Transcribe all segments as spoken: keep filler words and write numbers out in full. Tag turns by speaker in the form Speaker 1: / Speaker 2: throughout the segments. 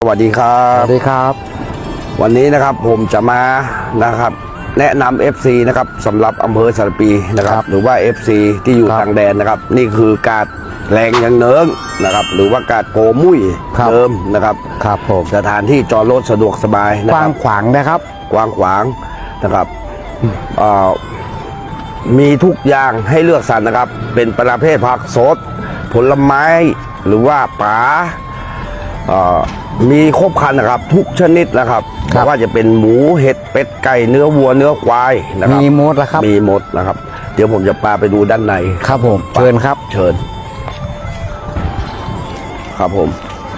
Speaker 1: วัสดีครับ
Speaker 2: สวัสดีครับ
Speaker 1: วันนี้นะครับผมจะมานะครับแนะนำ เอฟ ซี นะครับสำหรับอำเภอสารปีนะครับหรือว่า เอฟ ซี ที่อยู่ทางแดนนะครับนี่คือกาดแรงยังเนิงนะครับหรือว่ากาดโกมุ้ยเดิมนะครับ
Speaker 2: ครับผม
Speaker 1: สถานที่จอดรถสะดวกสบายนะ
Speaker 2: กว้า
Speaker 1: ครั
Speaker 2: งขวางนะครับ
Speaker 1: กว้างขวางนะครับมีทุกอย่างให้เลือกสรรนะครับเป็นประเภทผักสดผลไม้หรือว่าปลามีครบครันนะครับทุกชนิดนะครับไม่ว่าจะเป็นหมูเห็ดเป็ดไก่เนื้อวัวเนื้อควายนะครับ
Speaker 2: มีหมดแล้วครับ
Speaker 1: มีหมดนะครับเดี๋ยวผมจะพาไปดูด้านใน
Speaker 2: ครับผมเชิญครับ
Speaker 1: เชิญครับผม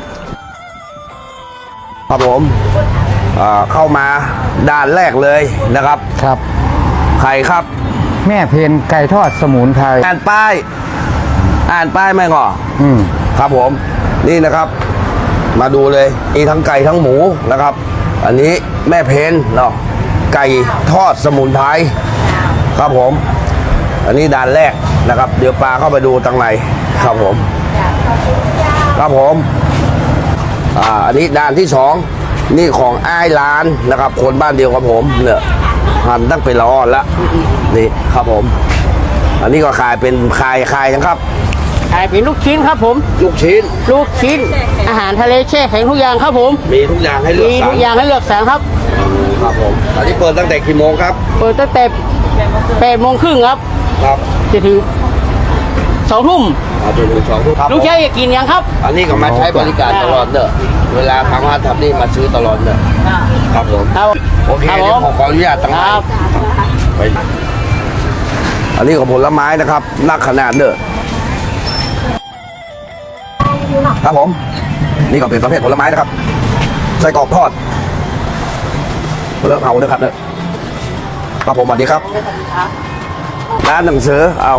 Speaker 1: ครับผมเข้ามาด้านแรกเลยนะครับ
Speaker 2: ครับ
Speaker 1: ใครครับ
Speaker 2: แม่เพนไก่ทอดสมุนไพร
Speaker 1: อ่านป้ายอ่านป้ายไหมก่อ
Speaker 2: อืม
Speaker 1: ครับผมนี่นะครับมาดูเลยมีทั้งไก่ทั้งหมูนะครับอันนี้แม่เพนเนาะไก่ทอดสมุนไพรครับผมอันนี้ด่านแรกนะครับเดี๋ยวปลาเข้าไปดูตังในครับผมครับผมอ่าอันนี้ด่านที่สองนี่ของอ้ายร้านนะครับคนบ้านเดียวกับผมเนี่ยหั่นตั้งเป็นละอ่อนละนี่ครับผมอันนี้ก็ขายเป็นขายขายนะครับ
Speaker 3: ขายเป็นลูกชิ้นครับผม
Speaker 1: ลูกชิ้น
Speaker 3: ลูกชิ้นอาหารทะเลแช่แข็งทุกอย่างครับผม
Speaker 1: มีทุกอย่างให้เลือก
Speaker 3: มีทุกอย่างให้เลือกสรรครับ
Speaker 1: ครับผมตอนนี้เปิดตั้งแต่กี่โมงครับ
Speaker 3: เปิดตั้งแต่แปดโมงครึ่งครับ
Speaker 1: ครับ
Speaker 3: จะถึงสองทุ่ม
Speaker 1: จนถึงสองทุ่ม
Speaker 3: ลูกชายอยากกินยังครับ
Speaker 1: อันนี้ก็มาใช้บริการตลอดเนอะเวลาทำงานทำนี่มาซื้อตลอดเนอะครับผมโอเคเดี๋ยวผมขออนุญาตตั้งใจไปอันนี้ก็ผลไม้นะครับนักขนาดเนอะครับผมนี่ก็เป็นประเภทผลไม้นะครับไส้กรอกทอดเลิกเอาเลยครับเนี่ยครับผมสวัสดีครับร้านหนังสือเอา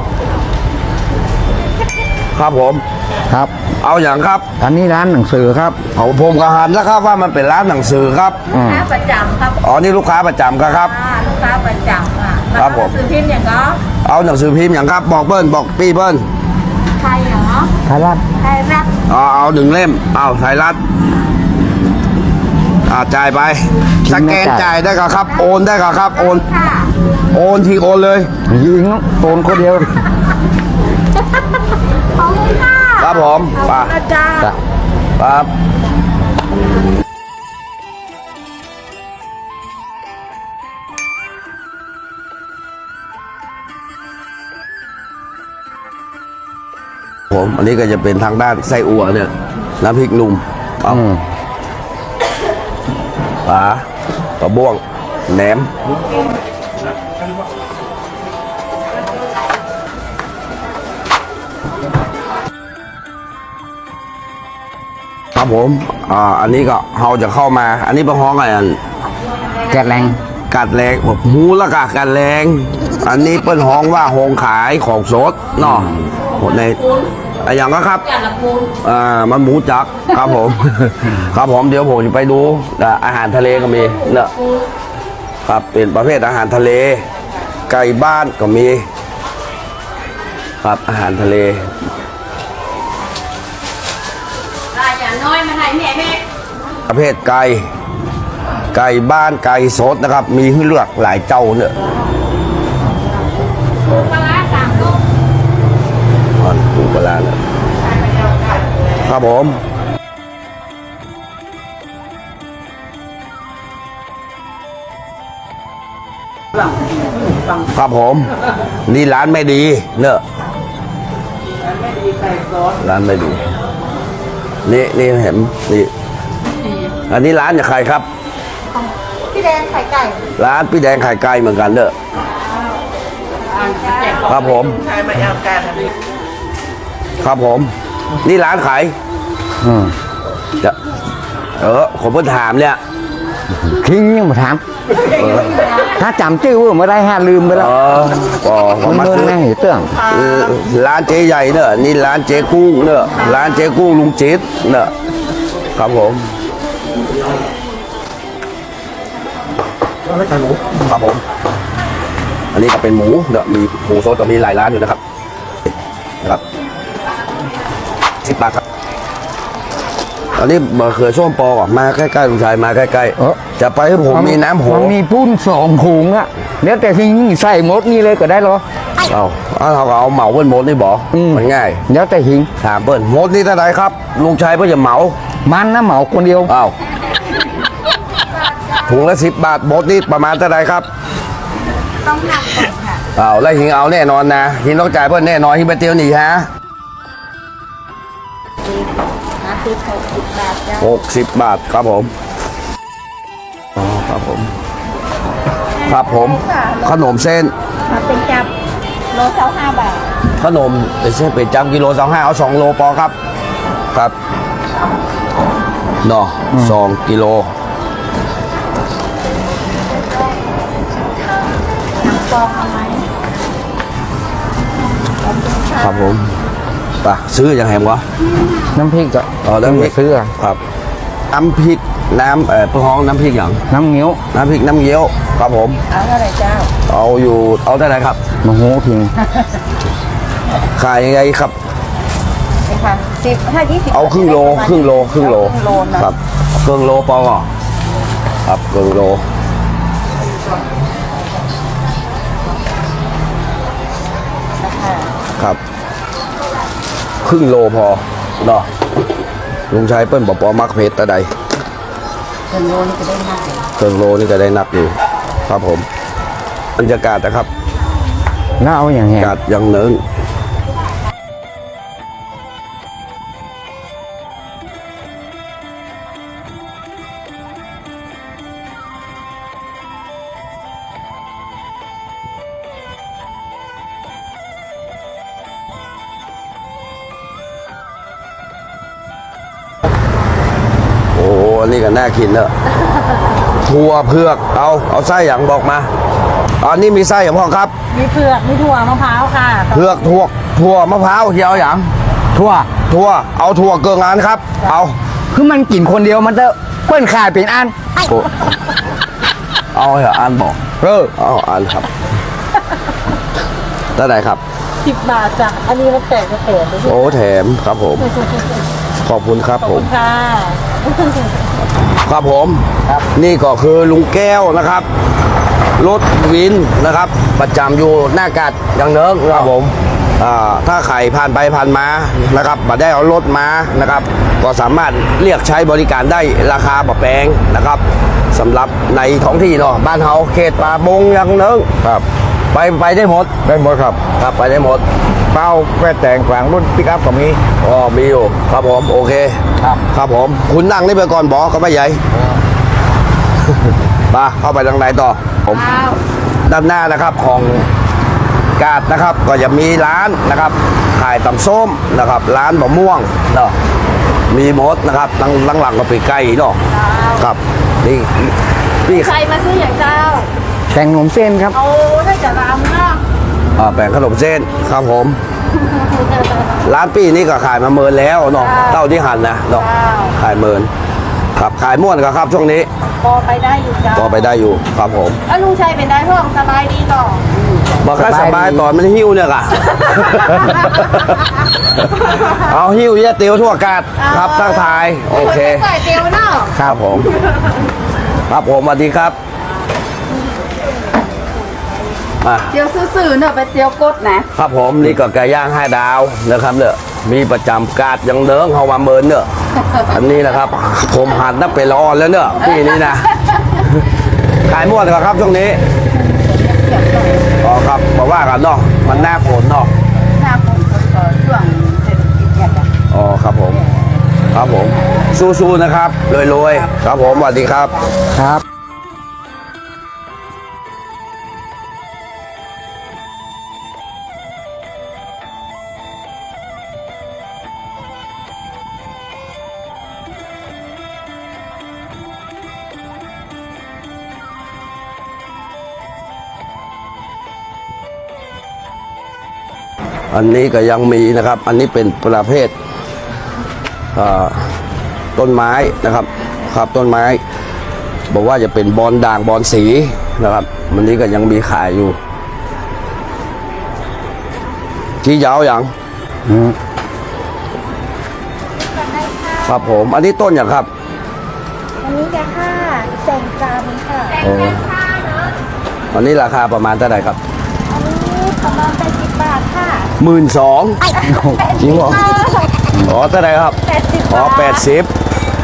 Speaker 1: ครับผม
Speaker 2: ครับ
Speaker 1: เอาอย่างครับ
Speaker 2: อันนี้ร้านหนังสือครับ
Speaker 1: เอาผมก็หันแล้วครับว่ามันเป็นร้านหนังสือครับ
Speaker 4: ลูกค้าประจำครับ
Speaker 1: อ๋อนี่ลูกค้าประจำครับ
Speaker 4: ลูกค้าประจำอ่ะ
Speaker 1: ครับผม
Speaker 4: หนังสือพิมพ์อย่างก็
Speaker 1: เอาหนังสือพิมพ์อย่างครับบอกเบิ้ลบอกปีเบิ้ล
Speaker 4: ไทยเหรอ
Speaker 2: ไทยรัฐ
Speaker 4: ไทยรัฐ
Speaker 1: อ๋อเอาหนึ่งเล่มเอาไทยรัฐอ่าจ่ายไปสแกนจ่ายได้ก็ครับโอนได้ก็ครับโอนโอนทีโอนเลย
Speaker 2: ยิงโอนคนเดียว
Speaker 1: ครับผมป่ะครับผมอันนี้ก็จะเป็นทางด้านไส้อั่วเนี่ยน้ำพริกหนุ่มเอาปลากระบ้วงแหนมครับผมอ่าอันนี้ก็เราจะเข้ามาอันนี้เป็นห้องอะไรอัน
Speaker 2: กัดแรง
Speaker 1: กัดแรงผมหูละกะกัดแรงอันนี้เป็นห้องว่าห้องขายของสดเนาะในอะไรอย่างก็ครับอ่ามันหมูจักครับผมครับผมเดี๋ยวผมจะไปดูอาหารทะเลก็มีเนาะครับเป็นประเภทอาหารทะเลไก่บ้านก็มีครับอาหารทะเลประเภทไก่ไก่บ้านไก่สดนะครับมีให้เลือกหลายเจ้าเนี่ยปลาสามลูกปูปลาเนี่ยครับผมครับผมนี่ร้านไม่ดีเนอะร้านไม่ดีนี่นี่เห็นนี่อันนี้ร้านจากใครครับ
Speaker 4: พี่แดงไข่ไก่
Speaker 1: ร้านพี่แดงไข่ไก่เหมือนกันเด้อครับผมครับผมนี่ร้านขาย
Speaker 2: อืม
Speaker 1: จะเออผมเพิ่งถามเนี่ย
Speaker 2: ทิ้งยังมาถามถ้าจำชื่อว่าไม่ได้ห้าลืมไปแล้ว
Speaker 1: ก็
Speaker 2: ผมมาซื้อเตื้อง
Speaker 1: ร้านเจ๊ใหญ่เนอะนี่ร้านเจ๊กุ้งเนอะร้านเจ๊กุ้งลุงจิตเนอะครับผมครับผมอันนี้ก็เป็นหมูเนอะมีหมูสดก็มีหลายร้านอยู่นะครับนะครับสิบบาทครับอันนี้มะเขือส้มปอก่อนมาใกล้ๆลุงชายมาใกล้
Speaker 2: เออ
Speaker 1: ๆจะไปให้ผมมีน้ำโห
Speaker 2: มันมีปุ้นสองถุงอะเดี๋ยวแต่ที่นี่ใส่หมดนี่เลยก็ได้เหรอ
Speaker 1: เอาเอาเราก็เอาเหมาเปิ้ลหมดนี่บอก
Speaker 2: อืม
Speaker 1: มันง่าย
Speaker 2: เดี๋ยวแต่หิง
Speaker 1: ถามเปิ้ลหมดนี่เท่าไหรครับลุงชายเพื่อจะเหมา
Speaker 2: มันนะเหมาคนเดียว
Speaker 1: อ้าวถุงละสิบบาทหมดนี่ประมาณเท่าไหรครับ
Speaker 4: ต้องหนักก่อนค่ะ
Speaker 1: อ้าวแล้วหิงเอาแน่นอนนะหิงต้องจ่ายเพื่อนแน่นอนหิงไปเตียวหนีฮะ
Speaker 4: ห้าสิบหกสิบบาทจ้า
Speaker 1: หกสิบบาทครับผมอ๋อครับผมครับผม ขนมเส้น
Speaker 4: มาเป็นจับโลเท่าห้าบาท
Speaker 1: ขนมเป็นเส้นเป็นจำกิโลสองห้าเอาสองโลพอครับ ครับเนาะสองกิโล
Speaker 4: หนังปองเอาไหม
Speaker 1: ครับผมไปซื้อยังแหมวะ
Speaker 2: น้ำพริกก็
Speaker 1: อ๋อน้ำพริก
Speaker 2: ซื้ออะ
Speaker 1: ครับน้ำพริกน้ำเอ่อเพื่อห้องน้ำพริกอย่าง
Speaker 2: น้ำเงี้ยว
Speaker 1: น้ำพริกน้ำเงี้ยวครับผม
Speaker 4: เอาเท่าไหร่เจ้า
Speaker 1: เอาอยู่เอาได้ไหนครับ
Speaker 2: มะฮูทิ้ง
Speaker 1: ขายยังไงครับ
Speaker 4: นี่ค่ะสิบถ้ายี่สิบ
Speaker 1: เอาครึ่งโลครึ่งโลครึ่งโล
Speaker 4: ครึ่งโลนะครับ
Speaker 1: ครึ่งโลปอก่อนครับครึ่งโลครับครึ่งโลพอเนาะลุงชายเปิ้ลบอกปอมักเพชรตะใด
Speaker 4: ครึ่งโลนี่จะได้มาก
Speaker 1: เครื่องโลนี่ก็ได้นักอยู่ครับผมบรรยากาศนะครับ
Speaker 2: แล้วเอาอย่าง
Speaker 1: อา
Speaker 2: เงี้ย
Speaker 1: กาศยังเนินโอ้โหอันนี้ก็น่ากินเนอะถั่วเผือกเอาเอาไส้อย่างบอกมาอันนี้มีไส้อย่างพ่อครับ
Speaker 4: มีเผือกมีถั่วมะพร้าวค่ะ
Speaker 1: เผือกถั่วถั่วมะพร้าวเขียวอย่าง
Speaker 2: ทั่ว
Speaker 1: ถั่วเอาถั่วเกิงงานครับ เอา
Speaker 2: คือมันกินคนเดียวมันจะเปิ้นขายเป็นอัน
Speaker 1: โอ้เอาเหรออ่านบอก
Speaker 2: เออ
Speaker 1: เอาอ่านครับได้ไหนครับ
Speaker 4: สิบบาทจ้ะอันนี้มันแตกก็แตกไปที่
Speaker 1: โอ้แถมครับผม ขอบคุณครับ
Speaker 4: ขอบ
Speaker 1: ผ
Speaker 4: คุ
Speaker 1: ม
Speaker 4: ณค่ะ
Speaker 1: ครับผมนี่ก็คือลุงแก้วนะครับรถวินนะครับ ประจำอยู่หน้ากาดยังเนิงครับผมอ่าถ้าใครผ่านไปผ่านมานะครับมาได้เอารถมานะครับ ก็สามารถเรียกใช้บริการได้ราคาบะแพงนะครับสำหรับในท้องที่เนาะบ้านเฮาเขตป่าบงยังเนิงครับ ไปไปได้หมด
Speaker 2: ได้หมดครับ
Speaker 1: ครับไปได้หมด
Speaker 2: เป้าแค่แต่งฝางรุ่นปิกอัพก็มี
Speaker 1: อ๋อมีอยู่ครับผมโอเค
Speaker 2: ครับ
Speaker 1: ครับผมคุณนั่งนี่ไปก่อนบอกก็ไม่ใหญ่ มาเข้าไปทางไหนต่อผมด้านหน้านะครับของกาดนะครับก็จะมีร้านนะครับขายตำส้มนะครับ ร้านบะม่วงเนาะมีหมดนะครับหลังหลังหลังก็ไปไก่เนาะครับนี่นี่
Speaker 4: ใครมาซื้ออย่างเจ้า
Speaker 2: แต่งขนมเส้นครับ
Speaker 4: เอาได้จะรำเนาะ
Speaker 1: อ่าแป้งขนมเส้นครับผม ร้านปี้นี่ก็ขายมาเมินแล้วเนาะเต้าที่หันนะเนาะขายเมินครับขายม่วนก็ครับช่วงนี้
Speaker 4: พอไปได้อยู่เจ้า
Speaker 1: พอไปได้อยู่ครับผม
Speaker 4: แล้วลุงชัยเป็นได้พ่องสบายดีต่อ
Speaker 1: บอกแค่สบายตอนมันหิ้วเนี่ย ค่ะ เอาหิ้วเยี่ยเตียวทั่วกาดครับทักทายโอเค
Speaker 4: ใส่เตียวเนาะ
Speaker 1: ครับผม ครับผมสวัสดีครับมา
Speaker 4: เตียวซื่อๆเนาะไปเตียวกดนะครับ
Speaker 1: ผมนี่ก็ไก่ย่างห้าดาวนะครับเนอะมีประจำกาดยังเดิงเขามาเมินเนอะอันนี้นะครับ ผมหันนับเป็นละออนแล้วเนอะปีนี้นะ ขายม่วนก่อนครับช่วงนี้อ๋อครับบอกว่ากันเนาะมันหน้าฝนเนาะ
Speaker 4: หน้าผมก็ช่วงเศรษฐกิจเนี่ยจ้ะ
Speaker 1: อ๋อครับผม ครับผม สู้ๆนะครับรวยๆครับผมสวัสดีครับ
Speaker 2: ครับ
Speaker 1: อันนี้ก็ยังมีนะครับ อันนี้เป็นประเภทอ่าต้นไม้นะครับ ครับต้นไม้ บอกว่าจะเป็นบอลด่างบอลสีนะครับวันนี้ก็ยังมีขายอยู่ที่ยาวอย่าง
Speaker 2: อืม
Speaker 1: คครับผมอันนี้ต้นอย่างครับ
Speaker 5: อันนี้แกค่ะแสงจันทร์ค่ะ
Speaker 1: โอ้อันนี้ราคาประมาณเท่าไหร่ครับ
Speaker 5: อันนี้ประมาณแปดสิบบาทค่ะ
Speaker 1: หมื่นสองจริงเหรอ
Speaker 5: เออ
Speaker 1: อ๋อเท่าไหร่ครับ
Speaker 5: แปดสิบ
Speaker 1: อ๋อบ
Speaker 5: าท
Speaker 1: แปดสิบ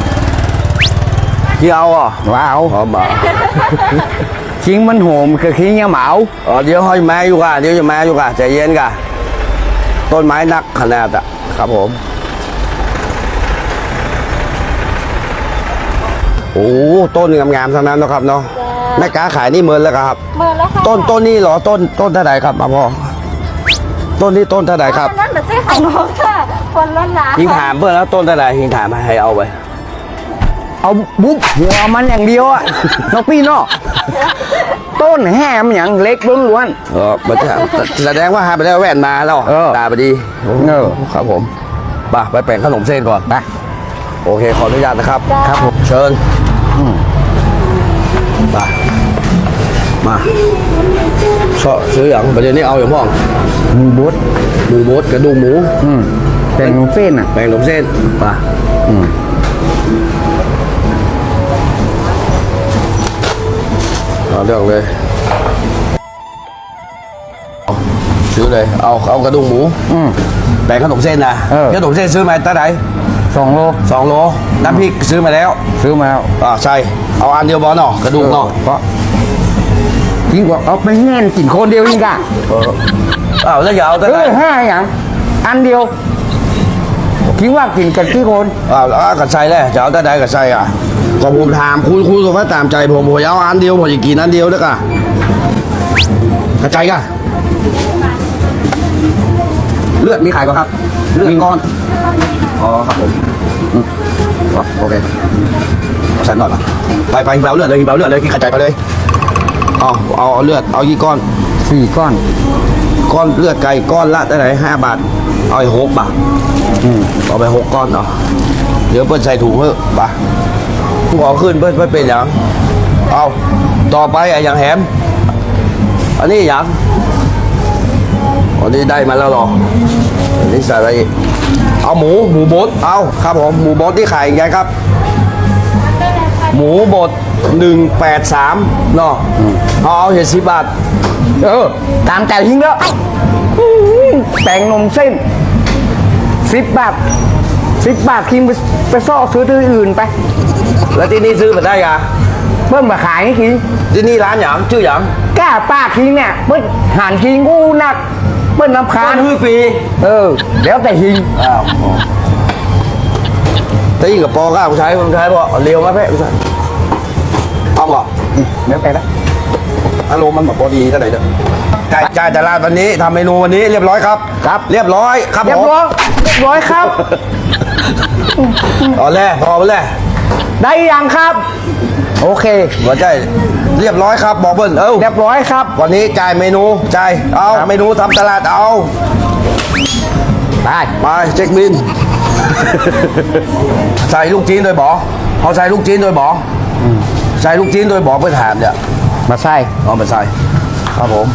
Speaker 1: ที่เอาอ่ะ
Speaker 2: ว้าว
Speaker 1: อ๋อมา
Speaker 2: คิงมันโหมคือคิงยังเหมา
Speaker 1: อ๋อเดี๋ยวให้แม่อยู่ก่ะเดี๋ยวจะแม่อยู่ก่ะใจเย็นก่ะต้นไม้นักขนาดอ่ะครับผมโอ้ต้นงามๆทั้งนั้นนะครับเนาะแม่ค้าขายนี่เมินแล้วครับ
Speaker 5: เมื่อแล้วค่ะ
Speaker 1: ต้นต้นนี้เหรอต้นต้นเท่าไหร่ครับมาพ่อต้นนี้ต้นเท่าไหร่ครับ
Speaker 5: อันนั่นเหมือนเจ้ของน้องค่ะ คนละหนา
Speaker 1: หิงถามเพื่อนแล้วต้นเท่าไหร่หิงถามให้เอาไป
Speaker 2: เอาบุ๊บหัวมันอย่างเดียวอะ นกพี่เนอกต้นแห้มอย่างเล็กล้วน
Speaker 1: เออมันจะแสดงว่าหาไปได้แว่นมาแล้ว
Speaker 2: เออ
Speaker 1: ตาไปดี
Speaker 2: เออ
Speaker 1: ครับผมไปไปแปลงขนมเส้นก่อน
Speaker 2: ๆไป
Speaker 1: โอเคขออนุญาตนะครับ
Speaker 2: ครับผม
Speaker 1: เชิญมามาชอบซื้ออย่างประเดี๋ยวนี้เอาอย่างพ่อง
Speaker 2: มีบุ๊ด
Speaker 1: หมูบดกระดูกหมู
Speaker 2: อืมเป็นเส้นอ่ะ
Speaker 1: แปลงขนมเส้นมา
Speaker 2: อืม
Speaker 1: เอาเรื่องเลยซื้อเลยเอาเอากระดูกหมู
Speaker 2: อืม
Speaker 1: แปลงขนมเส้นนะ
Speaker 2: เออ
Speaker 1: ขนมเส้นซื้อมาตั้งไหน
Speaker 2: สองโล
Speaker 1: สองโลน้ำพริกซื้อมาแล้ว
Speaker 2: ซื้อมาแล้ว
Speaker 1: อ่าใช่เอาอันเดียวบอลเนาะกระดูกเนาะ
Speaker 2: เพราะยิ่งกว่าเอาไปแง่นกินคนเดียวยิ่งกะ
Speaker 1: เอออ้าวแล้วอย่าเอาตั้ง
Speaker 2: เอ
Speaker 1: ไหน
Speaker 2: อห้าอย่างอันเดียวคิดว่ากินกันกี่คน
Speaker 1: อ้าวแล้วเอากับใส่เลยจะเอาตั้งไหนกับใส่อ่ะก็ผมถามคุณคุณสมมติตามใจผมผมเอาอันเดียวผมจะกินอันเดียวด้วยกันกระจายกันเลือดมีขายป่ะครับเลือดก้อนอ๋อครับผมอืมอ๋อโอเคเอาใส่หน่อยป่ะไปไปเบาเลือดเลยเบาเลือดเลยกินกระจายไปเลยเอาเอาเอาเลือดเอากี่ก้อน
Speaker 2: สี่ก้อน
Speaker 1: ก้อนเลือดไก่ก้อนละเท่าไหร่ห้าบาทเอาไปหกบาท
Speaker 2: อืม
Speaker 1: เอาไปหกก้อนเนาะเดี๋ยวเปิ้ลใส่ถุงเพิ่มปะผู้ขอขึ้นเปิ้ลเปิ้ลเป็นอย่างเอาต่อไปไอ้อย่างแหมอันนี้อย่างอันนี้ได้มาแล้วเหรออันนี้ใส่อะไรอีกเอาหมูหมูบดเอาครับผมหมูบดที่ขายยังไงครับ หมูบดหนึ่งแปดสามเนาะเอาเอาเห็ดสิบบาท
Speaker 2: เออตามใจทิ้งแล้วอื้อหือแป้งนมเส้นสิบบาทสิบบาทคิงไปไปซ่อซื้อที่อื่นไป
Speaker 1: แล้วที่นี่ซื้อมาได้ยัง
Speaker 2: เพิ่มมาขายให้คิง
Speaker 1: ที่นี่ร้านหยางชื่อหยาง
Speaker 2: กล้าป้าคิงเนี่ยเพิ่นหานคิงกูหนักเพิ่นน้ำคา
Speaker 1: ร้าน
Speaker 2: ญ
Speaker 1: ฮือปี
Speaker 2: เออแล้วแต่คิง
Speaker 1: อ้าวแต่ยิ่งกับปอก้าผมใช้ผมใช้พอเร็วมาแพ้ผมใช้เอาก่อน
Speaker 2: แล้วแต่ละ
Speaker 1: อารมณ์มันแบบพอดีเท่าไหร่เด้อจ่ายจ่ายแต่ละวันนี้ทำเมนูวันนี้เรียบร้อยครับ
Speaker 2: ครับ
Speaker 1: เรียบร้อยครับ
Speaker 2: เรีย
Speaker 1: ผ
Speaker 2: บ
Speaker 1: ม
Speaker 2: ร้อยเรียบร้อยครับ
Speaker 1: ตอนแรกพอไปแล้ว
Speaker 2: ได้ยังครับ โอเค
Speaker 1: หัวใจเรียบร้อยครับบอกเบิ้ลเอ้า
Speaker 2: เรียบร้อยครับ
Speaker 1: วันนี้จ่ายเมนูจ่ายเอา
Speaker 2: ครับ
Speaker 1: เมนูทำตลาดเอา
Speaker 2: ไป
Speaker 1: ไปเช็คบิน ใส่ลูกจีนโดยบอเขาใส่ลูกจีนโดยบอใส่ลูกจีนโดยบอเพื่อถามเนี่ย
Speaker 2: มาใส่
Speaker 1: เอาไปใส่ครับผม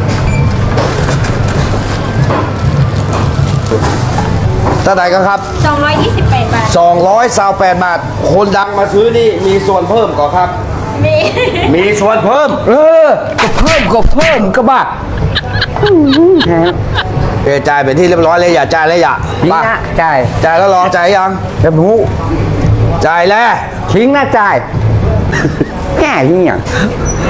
Speaker 1: เท่าไหร่กันครับ
Speaker 5: สองร้อยยี่สิบแปดบาท
Speaker 1: สองร้อยสาวแปดบาท คนดังมาซื้อนี่มีส่วนเพิ่มก่อนครับ
Speaker 5: มี
Speaker 1: มีส่วนเพิ่ม
Speaker 2: เออก็เพิ่มก็เพิ่มก็บ้า
Speaker 1: เอจ่ายเป็นที่เรียบร้อยเลยอย่าจ่ายเลยอย่า
Speaker 2: ทิ้ง
Speaker 1: มา
Speaker 2: นะจ่าย
Speaker 1: จ่ายแล้วรอจ่ายยัง
Speaker 2: เดี๋ยวหนู
Speaker 1: จ่ายแล้ว
Speaker 2: ทิ้งนะจ่ายแง่ทิ้งอย่าง